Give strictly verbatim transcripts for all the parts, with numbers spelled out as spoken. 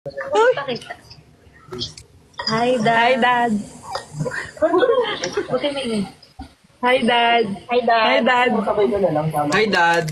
Uy! Hi, Dad. Hi, Dad. Buti may ingay. Hi, Dad. Hi, Dad. Hi, Dad. Hi, Dad.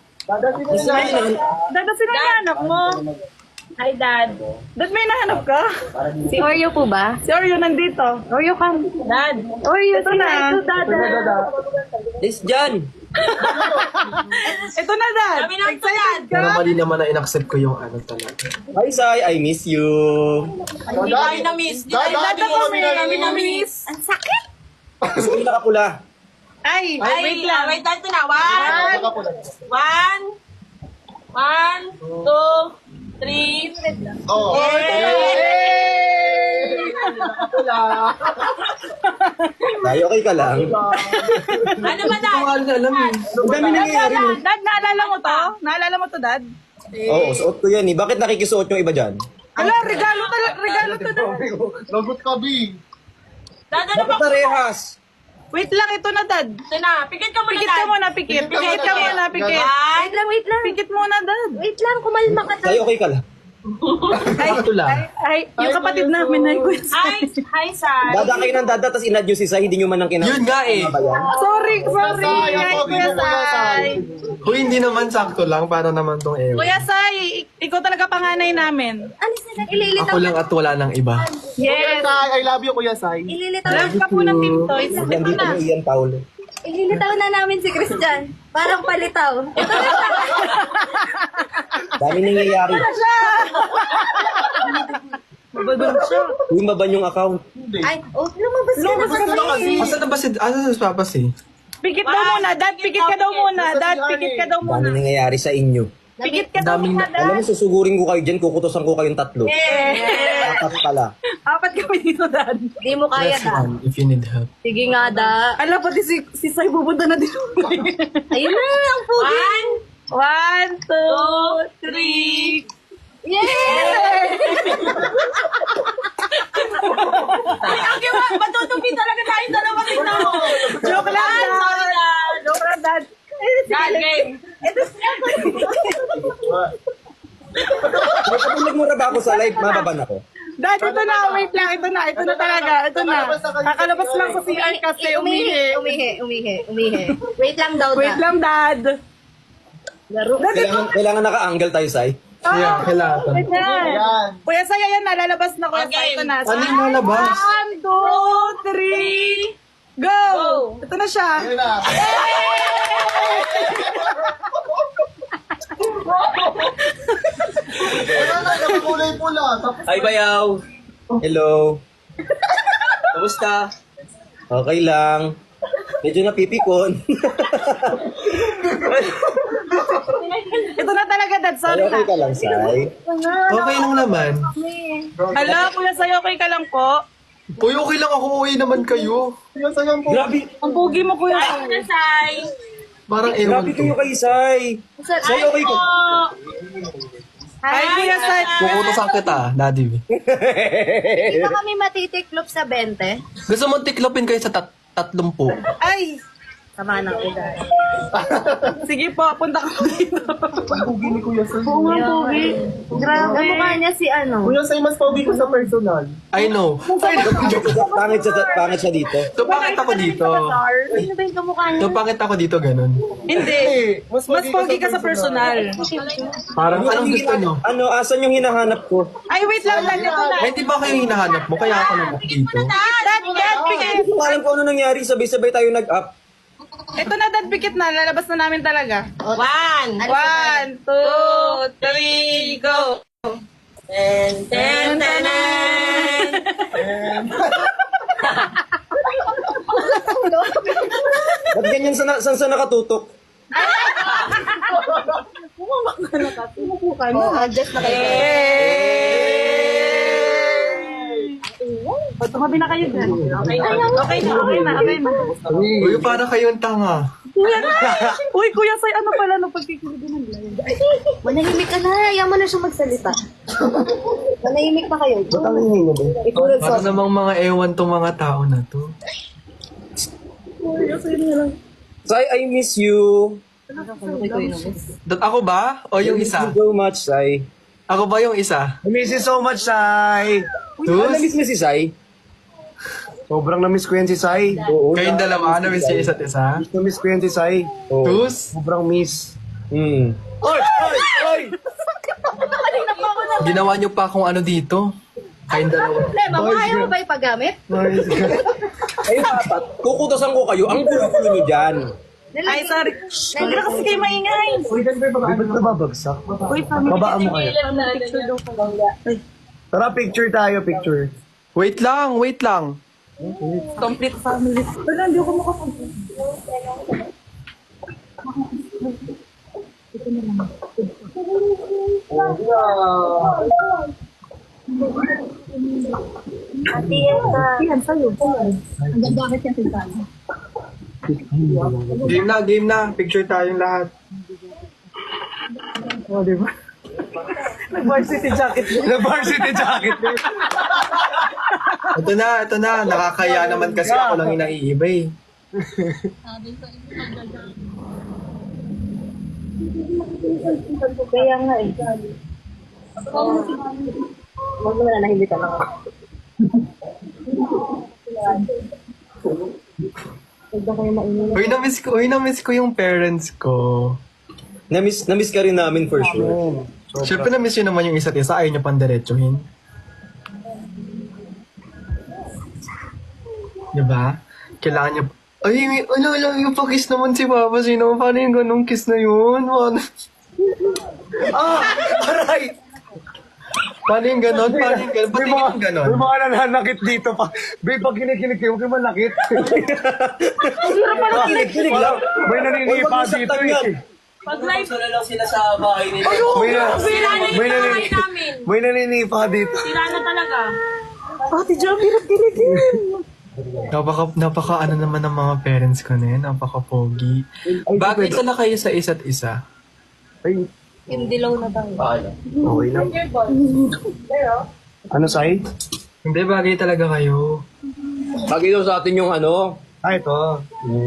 Dad, sino yung anak mo? Hi, Dad. Dad, may nahanap ka? Si Oreo po ba? Si Oreo nandito. Oreo ka. Dad. Oreo, ito na. Ito, Dad. It's John. Ito na, Dad. Excited ka? Pero mali naman na in-accept ko yung ano talaga. Hi, Sai. I miss you. Hindi tayo na-miss. Hindi tayo Dad, ako may kami na-miss. Ang sakit! Gusto ko nakapula. Ay, Ay, wait lang. Wait lang, ito na. One. One. One. Two. Three. Oh. Sai, okay ka lang? Ano ba, Dad? Ang alam alam eh. Ang dami nangyayari. Dad, Dad, naalala mo to? Naalala mo to, Dad? Oo, suot ko yan eh. Bakit nakikisuot yung iba dyan? Ala, regalo talaga, regalo to, Dad. Lagot ka, B. Dad, ano Bakit ba? parehas? Wait lang, ito na, Dad. Ito na. Pikit ka muna, Pikit Dad. ka muna, pikit. Pikit ka muna, pikit. One. lang, wait lang. Pikit muna, Dad. Wait lang, kumalma ka, Sai, okay ka lang? Ay, Sakto lang. ay, ay, yung kapatid namin ay Kuya Hi, Sai. hi, Sai. Dada kayo ng dada, tapos inad nyo si Sai, hindi nyo man nang kinakain. Yun nga eh. Sorry, sorry. Sai, Ay, ako, Kuya Kuya Sai. Sai. Kung hindi naman sakto lang, para naman tong ewan. Kuya Sai, ik- ikaw talaga panganay namin. Alis na lang. Ililitaw Ako lang at wala ng iba. Yes. Sai, I love you, Kuya Sai. Ililitaw Love ka po ng Team Toys. Yan Ito dito na. ni Ian Paulo. Ililitaw na namin si Christian. Parang palitaw. Ito na. Dami nangyayari. Mabagod siya. Yung baban yung account. Ay, oh, lumabas ka Lumabas ka na. na. Asa na ba si... Asa si Papas eh? Pikit daw muna, Dad. Pikit ka daw muna. Dad, pikit ka daw Dami muna. nangyayari sa inyo. Pikit ka daw Daming muna, Alam mo, Dad. susugurin ko kayo dyan, kukutosan ko kayong tatlo. Apat pala. Apat kami dito, Dad. Di mo kaya, Press Dad. one if you need help. Sige nga, da. Ala, pati si, si Sai pupunta na din. Ayun na, ang pugi. One. One, two, three. Yay! Ay, ang gawa. Matutupi talaga tayo dalawa dito. Joke lang, Ay, Dad. sorry, Dad. Joke lang, Dad. Dad, game. Ito siya. May kapag mura ba ako sa live, mababan ako. Dad, ito na. Wait lang. Ito na. Ito na talaga. Ito na. Kakalabas lang sa C R kasi umihi. Umihi, umihi, umihi. Wait lang daw, Wait da. lang, Dad. Laro. Dad, ito. Kailangan, kailangan naka-angle tayo, Sai. Yeah, kailangan. Wait lang. Yan. Kuya Sai, ayan na. Lalabas na Kuya Sai. Okay. Ito na. Ano yung nalabas? One, two, three. Go! Ito na siya. Yan na. Wala na, nakakulay pula. Tapos Hi, Bayaw! Hello! Kamusta? Okay lang. Medyo napipikon. Ito na talaga, Dad. Sorry Ay, okay na. ka lang, Sai. Okay lang naman. Hala, Kuya Sai, okay ka lang po? Uy, okay lang ako. Uwi naman kayo. yung sayang po. Grabe, Ang pugi mo, Kuya Sai. Ay, Sai. Parang ewan grabe ko. kayo kay Sai. Sai, okay ka. Ay, Kuya Sai. Kukutosan kita, Daddy. Hindi ba kami matitiklop sa twenty? Gusto mo tiklopin kayo sa tat tatlong po. Ay, Sama ng edad. sige po, punta ka po dito. Ang pugi ni Kuya Sai. Oo nga, pugi. Grabe. Kamukha niya si ano. Kuya Sai, mas paugi ko sa personal. I know. Pangit siya, pangit siya dito. So, bakit ako dito? Sino ba yung kamukha niya? So, bakit ako dito ganun? Hindi. Mas pogi ka sa personal. Parang anong gusto nyo? Ano, asan yung hinahanap ko? Ay, wait lang, Dad. Ito na. Ay, di ba kayo hinahanap mo? Kaya ako naman dito. Dad, Dad, pikit. Hindi ko alam kung ano nangyari. Sabay-sabay tayo nag-up. Ito na, Dad, pikit na. Lalabas na namin talaga. One. One, two, three, go. Ten, ten, ten, ten. Ba't ganyan sa, saan sa nakatutok? Oh, adjust na kayo. O, tumabi na kayo dyan. Okay na, okay na, okay na, okay na. Uy, para kayong tanga. Kuya, uy, Kuya Sai, ano pala no pagkikilig ng live? Manahimik ka na. Ayaw mo na siya magsalita. Manahimik pa kayo. Ba't ang hingin mo ba? Ikaw Para namang mga ewan tong mga tao na to. Sai, I miss you. Dat ako ba? O yung isa? Thank you so much, Sai. Ako ba yung isa? I miss you so much, Sai. Tus? Namiss mo si Sai? Sobrang na-miss ko yan si Sai. Oo. Kayong dalawa, na-miss yung isa't isa? Na-miss ko yan si Sai. Tus? Sobrang miss. Hmm. Oy! Oy! Oy! Ginawa niyo pa kung ano dito. Kayong dalawa. Problema mo, ayaw mo ba ipagamit? Ayun, apat. Kukutosan ko kayo. Ang gulo-gulo nyo dyan. Ay, sorry. Huwag na kasi kayo maingay. Ay, ba't nababagsak? Uy, family. Babaan mo kaya. Picture daw ko. Tara, picture tayo, picture. Wait lang, wait lang. Complete family. Wala, hindi ako makapag... Yan, sa'yo. Ang ganda kasi yung sintana. Game na, game na. Picture tayong lahat. Oh, di ba? Nag-varsity jacket. Na-varsity jacket. Ito na, ito na. Nakakaya naman kasi ako lang yung naiiba eh. Kaya nga eh. Huwag mo na nahindi ka lang. Huwag na kayo mainit. Uy, na-miss ko, uy, na-miss ko yung parents ko. Namiss, namiss ka rin namin for sure. Siyempre na-miss yun naman yung isa't isa. Ayaw niyo pang diretsuhin. Diba? Kailangan niyo... Ay, may, ano, ano, yung pa-kiss naman si Papa. Sino? Paano yung ganong kiss na yun? Paano? Ah! Aray! Paano yung ganon? Paano yung ganon? Ba't May yung mga, ganon? may mga nananakit dito pa. Babe, pag kinikilig kayo, huwag kayo manakit. Kilig-kilig lang. May naninipa Huwag mo dito saktan yan. eh. Pag live, Sila lang sila sa bahay nila. May, na, sila na may, yung bahay nanini, namin. may naninipa dito. Sila na talaga. Ate Jo, hirap kiligin. Napaka, napaka ano naman ng mga parents ko na yun. Napaka-pogi. Bakit na kayo sa isa't isa? Ay, Yung dilaw na tayo. okay lang. Ano, Sai? Hindi, bagay talaga kayo. Bagay daw sa atin yung ano. Ah, ito.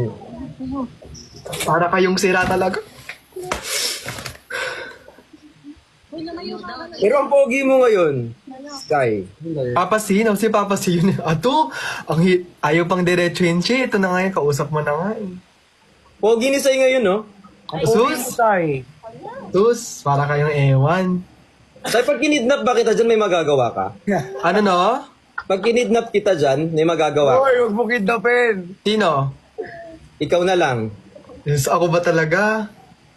Para kayong sira talaga. Pero ang pogi mo ngayon, Sky. Papa C, no? Si Papa C yun. Ato, ang hi- ayaw pang diretsuhin siya. Ito na nga yung kausap mo na nga eh. Pogi ni Sai ngayon, no? Sus! Sai. Sus! Para kayong ewan. Sai, pag kinidnap ba kita dyan, may magagawa ka? Ano no? Pag kinidnap kita dyan, may magagawa ka. Hoy, huwag mo kidnapin. Sino? Ikaw na lang. Yes, ako ba talaga?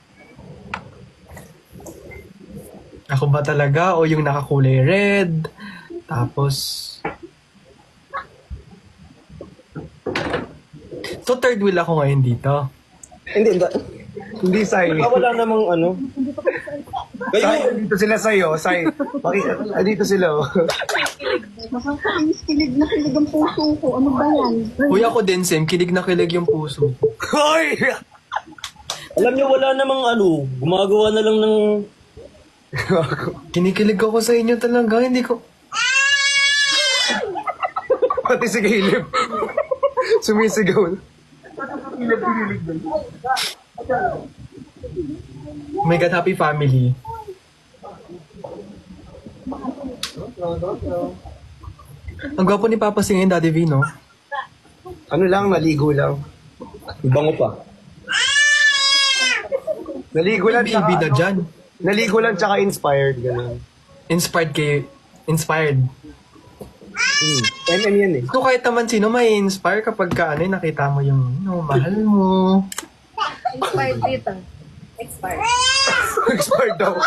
Ako ba talaga? O yung nakakulay red? Tapos... So third wheel ako ngayon dito. Hindi, hindi. Hindi, Sai. Ah, wala namang ano. Sai, Kayo, dito sila sa'yo. Sai, Paki- ah, dito sila. oh. Nakakainis, kilig na kilig ang puso ko. Ano ba yan? Uy, ako din, Sam. Kilig na kilig yung puso. Hoy! alam niyo, wala namang ano. Gumagawa na lang ng... Kinikilig ako sa inyo talaga. Hindi ko... Pati si Caleb. Sumisigaw. Oh my God, happy family. Ang gwapo ni Papa C ngayon, Daddy V, no? Ano lang, naligo lang. Bango pa. Naligo lang, Baby tsaka, na dyan. naligo lang tsaka inspired. Ganun. Inspired kay... Inspired. Hmm. M M yan eh. So kahit naman sino may inspire kapag ka, ano, eh, nakita mo yung no, mahal mo. Expired dito. Expired. Expired daw.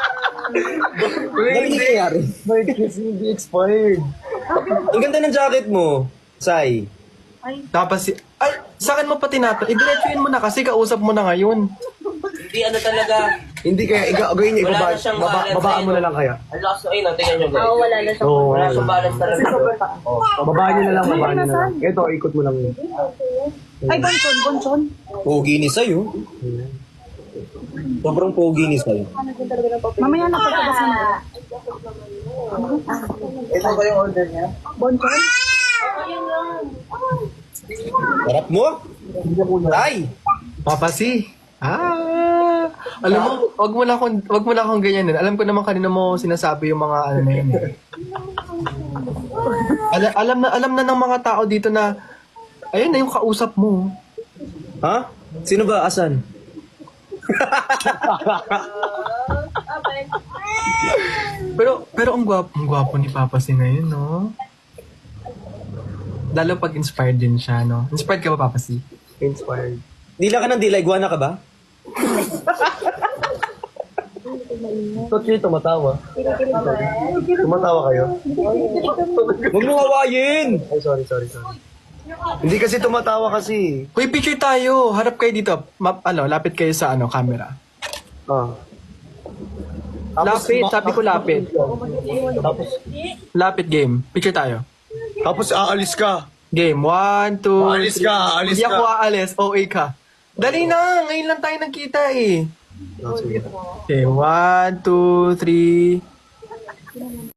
Ano nangyayari? Bakit kasi hindi expired? Ang ganda ng jacket mo, Sai. Tapos si... Ay, sa akin mo pa tinato. I-diretsuin mo na kasi kausap mo na ngayon. Hindi ano talaga. Hindi kaya, iga, gawin niya, Wala ibaba, na siyang baba, balance babaan eh, mo no? na lang kaya. Ang lakas ng ino, tingnan nyo guys. Oo, wala na siya. Oo, Wala wala. siyang balance talaga. Oh. Babaan niyo na lang, babaan niyo na lang. Ito, ikot mo lang. Ay, bonchon, bonchon. Pogi ni Sai, oh. Sobrang pogi ni Sai. Mamaya na pagkabasa na. Ito ba yung order niya? Bonchon? Harap mo? Sai! Papa C. Ah! Alam mo, wag mo na akong, wag mo na akong ganyan. Alam ko naman kanina mo sinasabi yung mga ano na yun. eh. Alam, alam na, alam na ng mga tao dito na, ayun na yung kausap mo. Ha? Sino ba? Asan? Pero, pero ang gwapo, ang gwapo ni Papa C ngayon, no? Lalo pag inspired din siya, no? Inspired ka ba, Papa C? Inspired. Dila ka ng dila, iguana ka ba? Ba't kayo tumatawa? Tumatawa kayo? Huwag mo hawayin! Ay, sorry, sorry, sorry. Hindi kasi tumatawa kasi. Uy, picture tayo. Harap kayo dito. Ma- ano, lapit kayo sa ano, camera. Ah. Lapit, sabi ko lapit. Tapos, Lapit game. Picture tayo. tapos aalis ka. Game. One, two, Aalis ka, aalis Hindi ka. ako aalis. O A ka. Dali na. Ngayon lang tayo nagkita eh. Oh, sige. Okay, one, two, three.